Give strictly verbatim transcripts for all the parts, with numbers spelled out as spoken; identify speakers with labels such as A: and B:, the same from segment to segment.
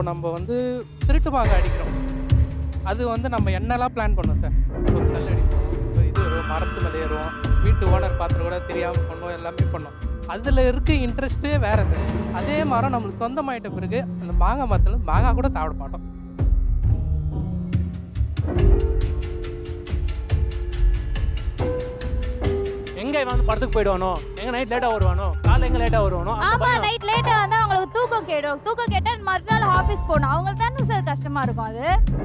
A: நம்ம வந்து திருட்டு மாங்காய் அடிக்கிறோம். அது வந்து நம்ம என்னலாம் பிளான் பண்ணோம் சார். ஒரு கல் அடிப்போம், ஒரு இது வரும், மரத்து மேல ஏறுவோம், வீட்டு ஓனர் பார்த்துட்டு கூட தெரியாம பண்ணோம், எல்லாமே பண்ணோம். அதில இருக்க இன்ட்ரெஸ்ட்டே வேற சார். அதே மரம் நம்மளுக்கு சொந்தமாயிட்ட பிறகு அந்த மாங்காய் மரத்துல மாங்காய் கூட சாப்பிட மாட்டோம்.
B: எங்க இவன் வந்து படத்துக்கு போயிடுவானோ, எங்க நைட் லேட்டா வருவானோ, காலைல எங்க லேட்டா வருவானோ, அந்த
C: ஆமா
B: பயம்.
C: நைட் லேட்டா வந்தா அவங்களுக்கு தூக்கம் கேடும். தூக்கம் கேட்டா மறுநாள் ஆபீஸ் போகணும். அவங்களுக்கு தானே சார் கஷ்டமா இருக்கும் அது.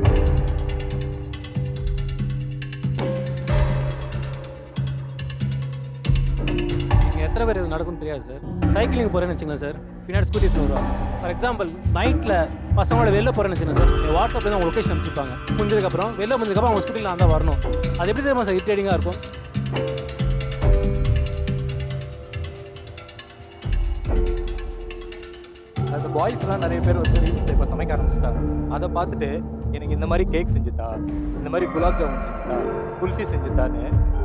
B: இங்க எத்தனை பேர் இது நடக்கும்னு தெரியாது சார். சைக்கிளிங் போறேன்னு வச்சுங்களேன் சார், பின்னாடி ஸ்கூட்டி எடுத்துட்டு வருவாங்க. ஃபார் எக்ஸாம்பிள் நைட்ல பசங்களோட வெளில போறேன்னு வச்சுக்கோங்க சார், என் வாட்ஸ்அப்ல தான் லொகேஷன் அனுப்பிச்சிருப்பாங்க. முடிஞ்சதுக்கு அப்புறம் வெளில வந்ததுக்கு அப்புறம் அவங்க ஸ்கூட்டில நான் தான் வரணும். அது எப்படி தெரியுமா சார் இரிட்டேட்டிங்கா இருக்கும்.
D: அந்த பாய்ஸ்லாம் நிறைய பேர் வந்து ரீல்ஸில் இப்போ சமைக்க ஆரம்பிச்சிட்டாங்க. அதை பார்த்துட்டு எனக்கு இந்த மாதிரி கேக் செஞ்சுதா, இந்த மாதிரி குலாப் ஜாமுன் செஞ்சுதா, குல்ஃபி செஞ்சுதான்னு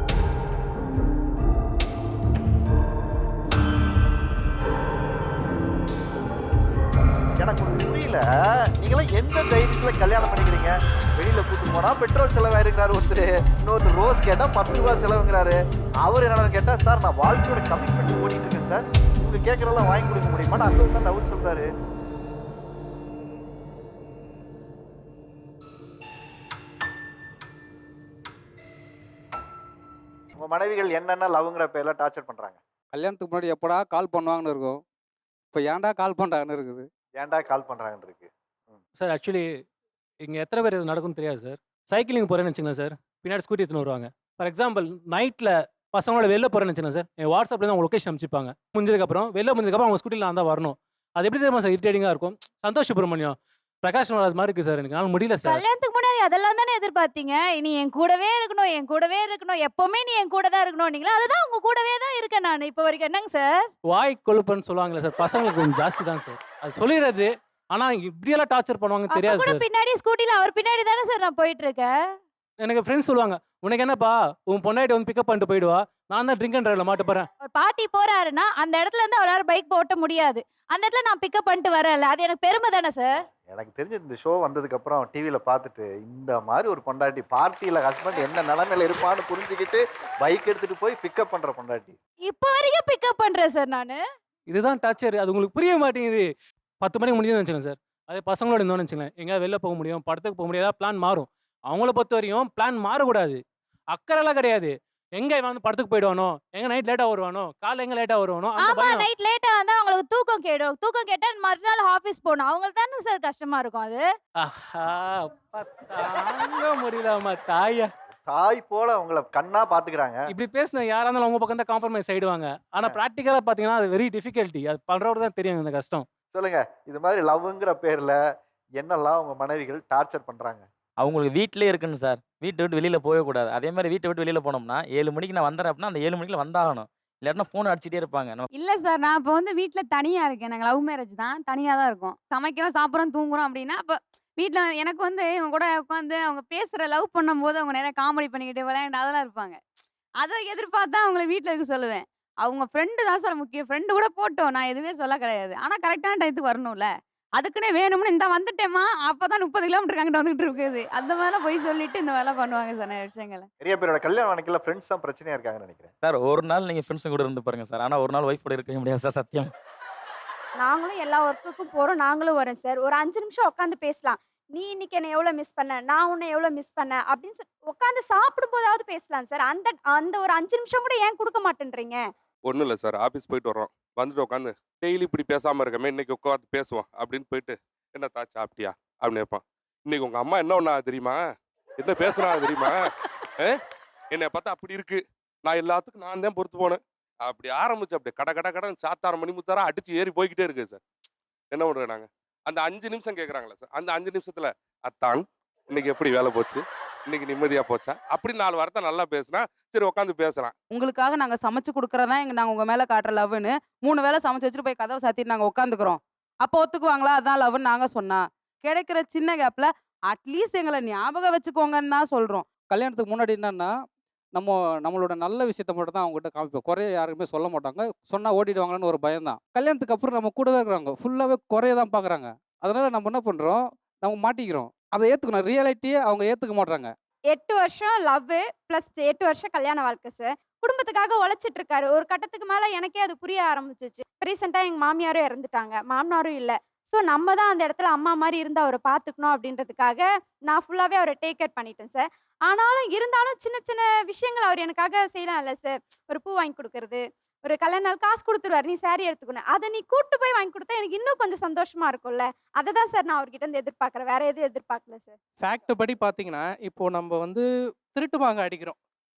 E: எனக்கு ஒண்ணு புரியல. நீங்களாம் எந்த தைரியத்துல கல்யாணம் பண்ணிக்கிறீங்க? வெளியில கூட்டு போனா பெட்ரோல் செலவாயிருக்கிறாரு ஒருத்தர், இன்னொருத்தர் ரோஸ் கேட்டா பத்து ரூபாய் செலவுங்கிறாரு. அவர் என்னன்னு கேட்டா, சார் நான் வாழ்க்கையோட கமிட்மெண்ட் ஓடிட்டு இருக்கேன் சார், உங்க கேட்கறதெல்லாம் வாங்கி கொடுக்க முடியுமா? நான் தான் அவர் சொல்றாரு. உங்க மனைவிகள் என்னென்ன லவ்ங்கிற பேர்ல டார்ச்சர் பண்றாங்க?
F: கல்யாணத்துக்கு முன்னாடி எப்படா கால் பண்ணுவாங்கன்னு இருக்கும். இப்போ ஏன்டா கால் பண்ணுறாங்கன்னு இருக்குது.
E: ஏன்டா கால் பண்றாங்கன்னு இருக்கு.
B: சார் ஆக்சுவலி இங்க எத்தனை பேர் இது நடக்கும்னு தெரியாது சார். சைக்கிளிங் போறேன்னு வச்சுங்களேன் சார், பின்னாடி ஸ்கூட்டி எடுத்துன்னு வருவாங்க. ஃபார் எக்ஸாம்பிள் நைட்ல பசங்களோட வெளில போறேன்னு வச்சுக்கோங்க சார், என் வாட்ஸ்அப்ல தான் அவங்க லொகேஷன் அனுப்பிச்சிருப்பாங்க. முடிஞ்சதுக்கு அப்புறம் வெளில முடிஞ்சதுக்கு அப்புறம் அவங்க ஸ்கூட்டில நான் தான் வரணும். அது எப்படி தெரியுமா சார் இரிட்டேட்டிங்கா இருக்கும். சந்தோஷ் சுப்ரமணியம், பிரகாஷ் மகாராஜ் மாதிரி இருக்கு சார். எனக்கு நான் முடியல சார்.
C: கல்யாணத்துக்கு முன்னாடி அதெல்லாம் தானே எதிர்பார்த்தீங்க. நீ என் கூடவே இருக்கணும், என் கூடவே இருக்கணும், எப்பவுமே நீ என் கூட தான் இருக்கணும். நீங்களா அதுதான் உங்க கூடவே தான் இருக்கேன் நான் இப்போ வரைக்கும். என்னங்க சார்?
B: வாய் கொழுப்புன்னு சொல்லுவாங்களே சார், பசங்களுக்கு கொஞ்சம் ஜாஸ்தி தான் சார். அது சொல்லிடுறது. ஆனா இப்படியெல்லாம் டார்ச்சர் பண்ணுவாங்க
C: அப்ப
B: தெரியாது
C: கூட
B: சார்.
C: பின்னாடி ஸ்கூட்டில அவர் பின்னாடி தானே சார் நான் போயிட்டு இருக்கேன்.
B: எனக்கு ஃப்ரெண்ட்ஸ் சொல்லுவாங்க, உனக்கு என்னப்பா உன் பொண்டாட்டி வந்து பிக்கப் பண்ணிட்டு போயிடுவா, நான் தான் ட்ரிங்க் அண்ட் டிரைவ்ல மாட்ட போறேன்.
C: ஒரு பாட்டி போறாருன்னா அந்த இடத்துல இருந்து அவளால பைக் ஓட்ட முடியாது. அந்த இடத்துல நான் பிக்கப் பண்ணிட்டு வரல. அது எனக்கு பெருமை தானே சார்.
E: எனக்கு தெரிஞ்சு இந்த ஷோ வந்ததுக்கு அப்புறம் டிவியில பார்த்துட்டு இந்த மாதிரி ஒரு பொண்டாட்டி பார்ட்டியில ஹஸ்பண்ட் என்ன நிலைமையில இருப்பான்னு புரிஞ்சுக்கிட்டு பைக் எடுத்துட்டு போய் பிக்கப் பண்ற பொண்டாட்டி.
C: இப்போ வரைக்கும் பிக்கப் பண்றேன் சார் நானு.
B: இதுதான் டார்ச்சர். அது உங்களுக்கு புரிய மாட்டேங்குது. பத்து மணிக்கு முடிஞ்சதுன்னு வச்சுக்கோங்க சார், அதே பசங்களோட இருந்தோம்னு வச்சுக்கோங்களேன், எங்கேயாவது வெளில போக முடியும், படத்துக்கு போக முடியாதா, பிளான் மாறும். அவங்கள பொறுத்த வரையும் பிளான் மாறக்கூடாது. அக்கறைலாம் கிடையாது. எங்க இவன் வந்து படத்துக்கு போயிடுவானோ, எங்க நைட் லேட்டா வருவானோ, காலைல எங்க லேட்டா வருவானோ, அந்த
C: ஆமா
B: பயம்.
C: நைட் லேட்டா வந்தா அவங்களுக்கு தூக்கம் கேடும். தூக்கம் கேட்டா மறுநாள் ஆபீஸ் போகணும். அவங்களுக்கு தானே சார் கஷ்டமா இருக்கும் அது.
B: ஆஹா, அப்பா தாங்க முடியலம்மா தாயா.
E: தாய் போல உங்களை கண்ணா பாத்துக்கிறாங்க.
B: இப்படி பேசின யாரா இருந்தாலும் அவங்க பக்கம் தான் காம்ப்ரமைஸ் ஆயிடுவாங்க. ஆனா பிராக்டிக்கலா பாத்தீங்கன்னா அது வெரி டிஃபிகல்ட்டி. அது பண்றவருக்கு தான் தெரியும் இந்த கஷ்டம்.
E: சொல்லுங்க, இது மாதிரி லவ்ங்கிற பேர்ல என்னெல்லாம் உங்க மனைவிகள் டார்ச்சர் பண்றாங்க?
G: அவங்களுக்கு வீட்டிலே இருக்கணும் சார். வீட்டை விட்டு வெளியில் போகக்கூடாது. அதே மாதிரி வீட்டை விட்டு வெளியில் போனோம்னா ஏழு மணிக்கு நான் வந்துடுறேன் அப்படின்னா அந்த ஏழு மணிக்கு வந்தாகணும். இல்லாட்டினா ஃபோன் அடிச்சிட்டே இருப்பாங்க. நம்ம
H: இல்ல சார், நான் இப்போ வந்து வீட்ல தனியா இருக்கேன். நாங்க லவ் மேரேஜ் தான். தனியா தான் இருக்கோம். சமைக்கிறோம், சாப்பிடுறோம், தூங்குறோம் அப்படின்னா, அப்ப வீட்ல எனக்கு வந்து இவங்க கூட உட்காந்து அவங்க பேசுற லவ் பண்ணும்போது அவங்க நிறைய காமெடி பண்ணிக்கிட்டு விளையாண்டு அதெல்லாம் இருப்பாங்க. அதை எதிர்பார்த்து தான் அவங்கள வீட்ல இருக்க சொல்லுவேன். அவங்க ஃப்ரெண்டு தான் சார் முக்கியம். ஃப்ரெண்டு கூட போட்டோம். நான் எதுவுமே சொல்ல கிடையாது. ஆனா கரெக்டான டயத்துக்கு வரணும்ல. அதுக்குன்னே வேணும்னு இந்த வந்துட்டேம்மா அப்பதான் முப்பது கிலோமீட்டர் அங்கிட்டு வந்துகிட்டு இருக்குது. அந்த மாதிரிலாம் போய் சொல்லிட்டு இந்த மாதிரிலாம் பண்ணுவாங்க சார் நிறைய விஷயங்களை.
E: நிறைய பேரோட கல்யாணம் அன்னைக்குல ஃப்ரெண்ட்ஸ் தான் பிரச்சனையா இருக்காங்கன்னு நினைக்கிறேன்.
G: சார் ஒரு நாள் நீங்கள் ஃப்ரெண்ட்ஸுங்க கூட இருந்து பாருங்க சார். ஆனால் ஒரு நாள் ஒய்ஃப் கூட இருக்கவே முடியாது சார், சத்தியம்.
I: நாங்களும் எல்லா ஒர்க்குக்கும் போறோம். நாங்களும் வரோம் சார். ஒரு அஞ்சு நிமிஷம் உட்காந்து பேசலாம். நீ இன்னைக்கு என்ன எவ்வளவு மிஸ் பண்ண, நான் உன்னை எவ்வளவு மிஸ் பண்ணேன் அப்படின்னு சொல்லி உட்காந்து சாப்பிடும் போதாவது பேசலாம் சார். அந்த அந்த ஒரு அஞ்சு நிமிஷம் கூட ஏன் கொடுக்க மாட்டேன்றீங்க?
J: ஒன்றும் இல்லை சார், ஆஃபீஸ் போயிட்டு வர்றோம், வந்துட்டு உட்காந்து டெய்லி இப்படி பேசாமல் இருக்கமே, இன்னைக்கு உட்காந்து பேசுவோம் அப்படின்னு போயிட்டு, என்ன தாச்சா சாப்பிட்டியா அப்படின்னு கேட்பான். இன்னைக்கு உங்கள் அம்மா என்ன ஒன்றா தெரியுமா, என்ன பேசுனா தெரியுமா, என்னை பார்த்தா அப்படி இருக்கு, நான் எல்லாத்துக்கும் நான் தான் பொறுத்து போனேன் அப்படி ஆரம்பிச்சு அப்படியே கட கட கடன் சாத்தார மணி முத்தாரா அடிச்சு ஏறி போய்கிட்டே இருக்கு சார். என்ன பண்ணுறோம் நாங்கள்? அந்த அஞ்சு நிமிஷம் கேட்குறாங்களே சார், அந்த அஞ்சு நிமிஷத்துல அத்தான் இன்னைக்கு எப்படி வேலை போச்சு, இன்னைக்கு நிம்மதியா போச்சா, அப்படி நாலு வார்த்தை நல்லா பேசினா சரி உட்காந்து பேசலாம்.
K: உங்களுக்காக நாங்க சமைச்சு கொடுக்கறதா எங்க நாங்க உங்க மேல காட்டுற லவ்னு மூணு வேளை சமைச்சு வச்சுட்டு போய் கதவை சாத்திட்டு நாங்க உட்காந்துக்கிறோம். அப்போ ஒத்துக்குவாங்களா? அதான் லவ்னு நாங்க சொன்னா கிடைக்கிற சின்ன கேப்ல அட்லீஸ்ட் எங்களை ஞாபகம் வச்சுக்கோங்கன்னு தான் சொல்றோம்.
F: கல்யாணத்துக்கு முன்னாடி என்னன்னா, நம்ம நம்மளோட நல்ல விஷயத்த மட்டும் தான் அவங்ககிட்ட காமிப்போம். குறைய யாருக்குமே சொல்ல மாட்டாங்க. சொன்னா ஓடிடுவாங்கன்னு ஒரு பயம் தான். கல்யாணத்துக்கு அப்புறம் நம்ம கூடவே இருக்கிறாங்க. ஃபுல்லாவே குறைய தான் பார்க்குறாங்க. அதனால் நம்ம என்ன பண்ணுறோம், நம்ம மாட்டிக்கிறோம். அதை ஏற்றுக்கணும். ரியாலிட்டியே அவங்க ஏற்றுக்க மாட்றாங்க.
I: எட்டு வருஷம் லவ் ப்ளஸ் எட்டு வருஷம் கல்யாண வாழ்க்கை சார். குடும்பத்துக்காக உழைச்சிட்டு இருக்காரு. ஒரு கட்டத்துக்கு மேல எனக்கே அது புரிய ஆரம்பிச்சிச்சு. ரீசெண்டா எங்க மாமியாரும் இறந்துட்டாங்க. மாமனாரும் இல்ல. ஸோ நம்ம தான் அந்த இடத்துல அம்மா மாரி இருந்து அவரை பார்த்துக்கணும் அப்படின்றதுக்காக நான் ஃபுல்லாவே அவரை டேக் கேர் பண்ணிட்டேன் சார். ஆனாலும் இருந்தாலும் சின்ன சின்ன விஷயங்கள் அவர் எனக்காக செய்யலாம்ல சார். ஒரு பூ வாங்கி கொடுக்கறது, ஒரு கல்யாண நாள் காசு குடுத்துருவாரு. நீ சாரி எடுத்துக்கணும். அத நீ கூட்டு போய் வாங்கி குடுத்தா எனக்கு இன்னும் கொஞ்சம் சந்தோஷமா இருக்கும்ல. அத தான் சார் நான் அவர்கிட்ட இருந்து எதிர்பார்க்குறேன். வேற எதுவும் எதிர்பார்க்கல சார்.
A: ஃபேக்ட் படி பார்த்தீங்கன்னா, இப்போ நம்ம வந்து திருட்டு பாங்க அடிக்கிறோம்.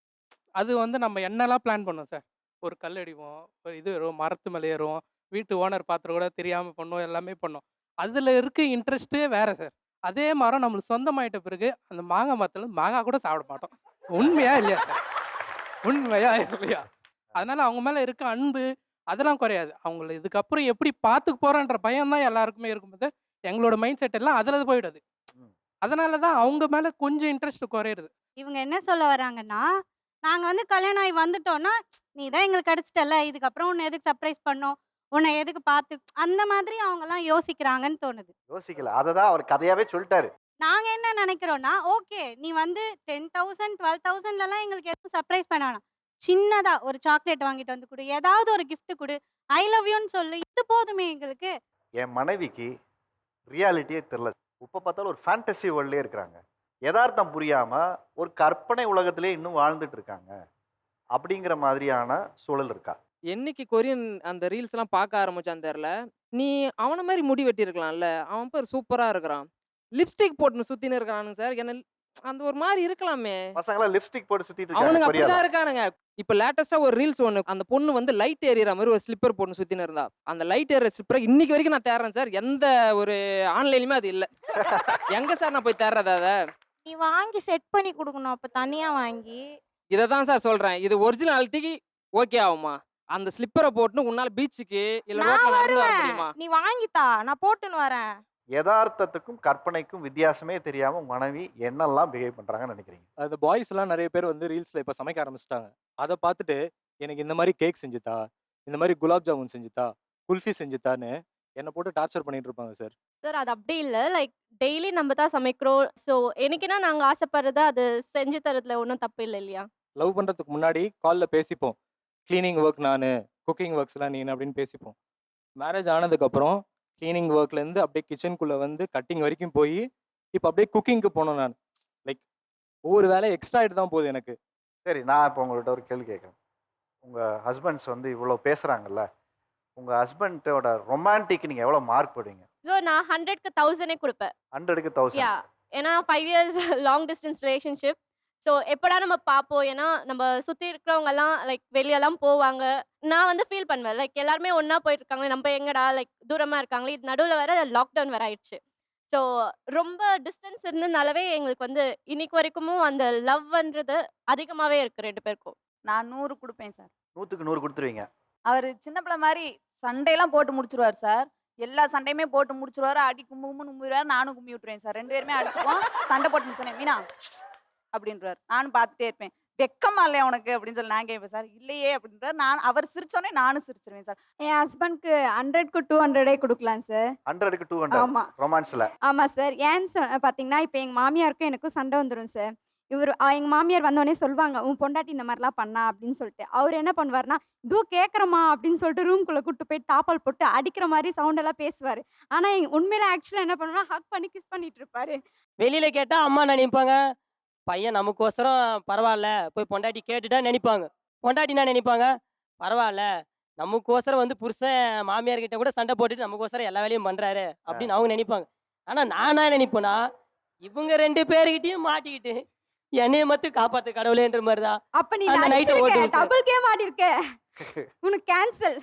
A: அது வந்து நம்ம என்னலாம் பிளான் பண்ணோம் சார். ஒரு கல் அடிப்போம், ஒரு இது ஏறும், மரத்து மேல ஏறுவோம், வீட்டு ஓனர் பாத்திரம் கூட தெரியாம பண்ணோம், எல்லாமே பண்ணோம். அதுல இருக்க இன்ட்ரெஸ்ட்டே வேற சார். அதே மரம் நம்மளுக்கு சொந்தமாயிட்ட பிறகு, அந்த மாங்கா மரத்துல மாங்காய் கூட சாப்பிட மாட்டோம். உண்மையா இல்லையா சார்? உண்மையா இல்லையா? அதனால அவங்க மேல இருக்க அன்பு அதெல்லாம் குறையாது. அவங்கள இதுக்கப்புறம் எப்படி பார்த்துக்க போறோன்ற பயம் தான் எல்லாருக்குமே இருக்கும்போது, எங்களோட மைண்ட் செட் எல்லாம் அதுல போயிடுது. அதனால தான் அவங்க மேல கொஞ்சம் இன்ட்ரெஸ்ட் குறையுது.
L: இவங்க என்ன சொல்ல வராங்கன்னா, நாங்க வந்து கல்யாணம் ஆகி வந்துட்டோம்னா, நீ தான் எங்களுக்கு கிடைச்சிட்டல்ல, இதுக்கப்புறம் உன்னை எதுக்கு சர்ப்ரைஸ் பண்ணோம்? உன்னை எதுக்கு பார்த்து அந்த மாதிரி அவங்கலாம் யோசிக்கிறாங்கன்னு தோணுது.
E: யோசிக்கல. அதை தான் அவர் கதையாவே சொல்லிட்டாரு.
L: நாங்க என்ன நினைக்கிறோம்னா, ஓகே நீ வந்து பத்தாயிரம் பன்னிரண்டாயிரம்லலாம் எங்களுக்கு எதுவும் சர்ப்ரைஸ் பண்ண வேணாம். சின்னதா ஒரு சாக்லேட் வாங்கிட்டு வந்து குடு, ஏதாவது ஒரு கிஃப்ட் குடு, ஐ லவ் யூன்னு சொல்லு, இது போதுமே எங்களுக்கு.
E: என் மனைவிக்கு ரியாலிட்டியே தெரில. இப்போ பார்த்தாலும் ஒரு ஃபேண்டசி வேர்ல்ட்லேயே இருக்கிறாங்க. யதார்த்தம் புரியாமல் ஒரு கற்பனை உலகத்திலே இன்னும் வாழ்ந்துட்டு இருக்காங்க. அப்படிங்கிற மாதிரியான சூழல் இருக்கா?
M: என்னைக்கு கொரியன் அந்த ரீல்ஸ் எல்லாம் பார்க்க ஆரம்பிச்சான்னு தெரியல. நீ அவன மாதிரி முடி வெட்டியிருக்கலாம்ல. அவன் பேர் சூப்பரா இருக்கிறான். லிப்ஸ்டிக் போட்டுன்னு சுத்தின்னு இருக்கிறானுங்க சார். என்ன அந்த ஒரு மாதிரி இருக்கலாமே.
E: பசங்களாம் லிப்ஸ்டிக் போட்டு சுத்திட்டு
M: அவனுங்க
E: இருக்காங்க.
M: அப்படிதான்
E: கொரியால.
M: இருக்கானுங்க. இப்ப லேட்டஸ்டா ஒரு ரீல்ஸ் ஒண்ணு அந்த பொண்ணு வந்து லைட் ஏறிற மாதிரி ஒரு ஸ்லிப்பர் போட்டு சுத்தின்னு இருந்தா. அந்த லைட் ஏற ஸ்லிப்பரை இன்னைக்கு வரைக்கும் நான் தேடுறேன் சார். எந்த ஒரு ஆன்லைன்லயுமே அது இல்ல. எங்க சார் நான் போய் தேடுறது அத?
L: நீ வாங்கி செட் பண்ணி கொடுக்கணும், அப்ப தனியா வாங்கி.
M: இதை தான் சார் சொல்றேன். இது ஒரிஜினாலிட்டிக்கு ஓகே ஆகுமா? அந்த ஸ்லிப்பரை போட்டுன்னு உன்னால பீச்சுக்கு இல்ல
L: நான்
M: ரோட்ல நடந்து வர
L: வருவேன்.
M: முடியுமா?
L: நீ வாங்கித்தா, நான் போட்டுன்னு வரேன்.
E: யதார்த்தத்துக்கும் கற்பனைக்கும் வித்தியாசமே தெரியாம உங்க மனைவி என்னெல்லாம் பிஹேவ் பண்றாங்கன்னு நினைக்கிறீங்க?
D: அந்த பாய்ஸ்லாம் நிறைய பேர் வந்து ரீல்ஸ்ல இப்போ சமைக்க ஆரம்பிச்சிட்டாங்க. அதை பார்த்துட்டு எனக்கு இந்த மாதிரி கேக் செஞ்சுத்தா, இந்த மாதிரி குலாப் ஜாமுன் செஞ்சுத்தா, குல்ஃபி செஞ்சுத்தான்னு என்னை போட்டு டார்ச்சர் பண்ணிட்டு இருப்பாங்க சார்.
N: சார் அது அப்படி இல்லை. லைக் டெய்லி நம்ம தான் சமைக்கிறோம். ஸோ எனக்குன்னா நாங்கள் ஆசைப்படுறத அது செஞ்சு தரதுல ஒன்றும் தப்பு இல்லை இல்லையா?
D: லவ் பண்றதுக்கு முன்னாடி காலில் பேசிப்போம். க்ளீனிங் ஒர்க் நான், குக்கிங் ஒர்க்ஸ்லாம் நீ அப்படின்னு பேசிப்போம். மேரேஜ் ஆனதுக்கப்புறம் க்ளீனிங் ஒர்க்லேருந்து அப்படியே கிச்சனுக்குள்ளே வந்து கட்டிங் வரைக்கும் போய் இப்போ அப்படியே குக்கிங்க்கு போனோம் நான். லைக் ஒவ்வொரு வேலை எக்ஸ்ட்ரா ஆகிட்டு தான் போகுது எனக்கு.
E: சரி, நான் இப்போ உங்கள்கிட்ட ஒரு கேள்வி கேட்குறேன். உங்கள் ஹஸ்பண்ட்ஸ் வந்து இவ்வளோ பேசுகிறாங்கல்ல, உங்கள் ஹஸ்பண்டோட ரொமான்டிக் நீங்கள் எவ்வளோ மார்க் போடுவீங்க?
N: ஸோ நான் ஹண்ட்ரட்க்கு தௌசண்டே கொடுப்பேன்.
E: ஹண்ட்ரடுக்கு
N: யா
E: தௌசண்ட்.
N: ஏன்னா five years long distance relationship. So எப்படா நம்ம பார்ப்போம். ஏன்னா நம்ம சுற்றி இருக்கிறவங்கெல்லாம் லைக் வெளியெல்லாம் போவாங்க. நான் வந்து ஃபீல் பண்ணுவேன் லைக் எல்லாருமே ஒன்றா போயிட்டு இருக்காங்க, நம்ம எங்கடா லைக் தூரமாக இருக்காங்களே. இது நடுவில் வேற லாக்டவுன் வேற ஆயிடுச்சு. ஸோ ரொம்ப டிஸ்டன்ஸ் இருந்ததுனாலவே எங்களுக்கு வந்து இன்னைக்கு வரைக்கும் அந்த லவ்ன்றது அதிகமாகவே இருக்குது ரெண்டு பேருக்கும்.
H: நான் நூறு கொடுப்பேன் சார்.
E: நூற்றுக்கு நூறு கொடுத்துருவீங்க.
H: அவர் சின்ன பிள்ளை மாதிரி சண்டையெல்லாம் போட்டு முடிச்சிருவார் சார். எல்லா சண்டையுமே போட்டு முடிச்சிருவாரு. அடி கும்பு கும்பு கும்பிடுவார். நானும் கும்பி விட்டுருவேன் சார். ரெண்டு பேருமே அடிச்சுப்போம். சண்டை போட்டு முடிச்சோன்னே மீனா அப்படின்றார். நானும் பார்த்துட்டே இருப்பேன். வெக்கமா இல்லையா உனக்கு அப்படின்னு சொல்லி நான் கேட்பேன் சார். இல்லையே அப்படின்றார். நான் அவர் சிரிச்சோன்னே நானும் சிரிச்சிருவேன் சார்.
I: என் ஹஸ்பண்ட்க்கு ஹண்ட்ரட்க்கு டூ ஹண்ட்ரடே கொடுக்கலாம் சார்.
E: ஹண்ட்ரடுக்கு டூ ஹண்ட்ரட்
I: ஆமா.
E: ரொமான்ஸில்.
I: ஆமாம் சார். ஏன்னு சொ பார்த்தீங்கன்னா இப்போ எங்கள் மாமியாருக்கும் எனக்கும் சண்டை வந்துடும் சார். இவர் எங்கள் மாமியார் வந்தோடனே சொல்லுவாங்க, உன் பொண்டாட்டி இந்த மாதிரிலாம் பண்ணா அப்படின்னு சொல்லிட்டு. அவர் என்ன பண்ணுவார்னா, இதோ கேட்குறமா அப்படின்னு சொல்லிட்டு ரூம்குள்ளே கூட்டு போய் டாப்பால் போட்டு அடிக்கிற மாதிரி சவுண்டெல்லாம் பேசுவார். ஆனால் உண்மையில ஆக்சுவலாக என்ன பண்ணுவாருன்னா ஹக் பண்ணி கிஸ் பண்ணிட்டு இருப்பாரு.
O: வெளியில கேட்டா அம்மா நினைப்பாங்க, பையன் நமக்கோசரம் பரவாயில்ல போய் பொண்டாட்டி கேட்டுட்டா நினைப்பாங்க. பொண்டாட்டினா நினைப்பாங்க, பரவாயில்ல நமக்கோசரம் வந்து புருஷன் மாமியார் கிட்ட கூட சண்டை போட்டுட்டு நமக்கோசரம் எல்லா வேலையும் பண்றாரு அப்படின்னு அவங்க நினைப்பாங்க. ஆனா நானா நினைப்பேனா, இவங்க ரெண்டு பேருக்கிட்டையும் மாட்டிக்கிட்டு என்னைய மட்டும் காப்பாத்து கடவுளேன்ற மாதிரிதான்
I: அப்ப நீ
O: அந்த நைட்டை ஓட்டுவோம் சார்.
I: டபுள் கேம் ஆடி இருக்க. உனக்கு கேன்சல்.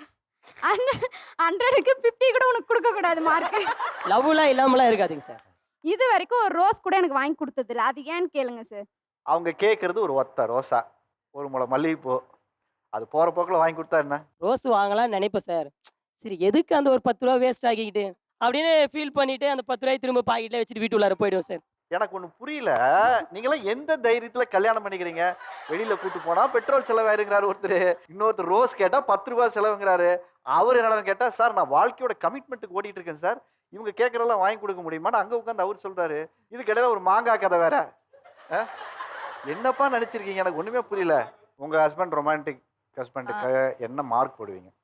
I: ஹண்ட்ரடுக்கு ஃபிஃப்டி கூட உனக்கு கொடுக்க கூடாது மார்க்.
O: லவ்லாம் இல்லாமலாம் இருக்காதுங்க சார்.
I: இது வரைக்கும் ஒரு ரோஸ் கூட எனக்கு வாங்கி கொடுத்தது இல்லை. அது ஏன்னு கேளுங்க சார்.
E: அவங்க கேட்குறது ஒரு ஒத்த ரோசா, ஒரு முளை மல்லிகைப்பூ, அது போகிற போக்கில் வாங்கி கொடுத்தா என்ன?
O: ரோஸ் வாங்கலாம்னு நினைப்பேன் சார். சரி எதுக்கு அந்த ஒரு பத்து ரூபா வேஸ்ட் ஆக்கிக்கிட்டு அப்படின்னு ஃபீல் பண்ணிட்டு அந்த பத்து ரூபாய் திரும்ப பாக்கெட்ல வச்சுட்டு வீட்டு உள்ளார போயிடுவோம் சார்.
E: எனக்கு ஒண்ணு புரியல. நீங்களாம் எந்த தைரியத்துல கல்யாணம் பண்ணிக்கிறீங்க? வெளியில கூட்டு போனா பெட்ரோல் செலவாயிருங்கிறாரு ஒருத்தர், இன்னொருத்தர் ரோஸ் கேட்டா பத்து ரூபாய் செலவுங்கிறாரு. அவர் என்னன்னு கேட்டா, சார் நான் வாழ்க்கையோட கமிட்மெண்ட்டுக்கு ஓடிட்டு இருக்கேன் சார், இவங்க கேட்கறதெல்லாம் வாங்கி கொடுக்க முடியுமான்னு அங்க உட்காந்து அவர் சொல்றாரு. இதுக்கு இடையில ஒரு மாங்காய் கதை வேற. அஹ்? என்னப்பா நினைச்சிருக்கீங்க? எனக்கு ஒண்ணுமே புரியல. உங்க ஹஸ்பண்ட் ரொமான்டிக் ஹஸ்பண்டுக்கு என்ன மார்க் போடுவீங்க?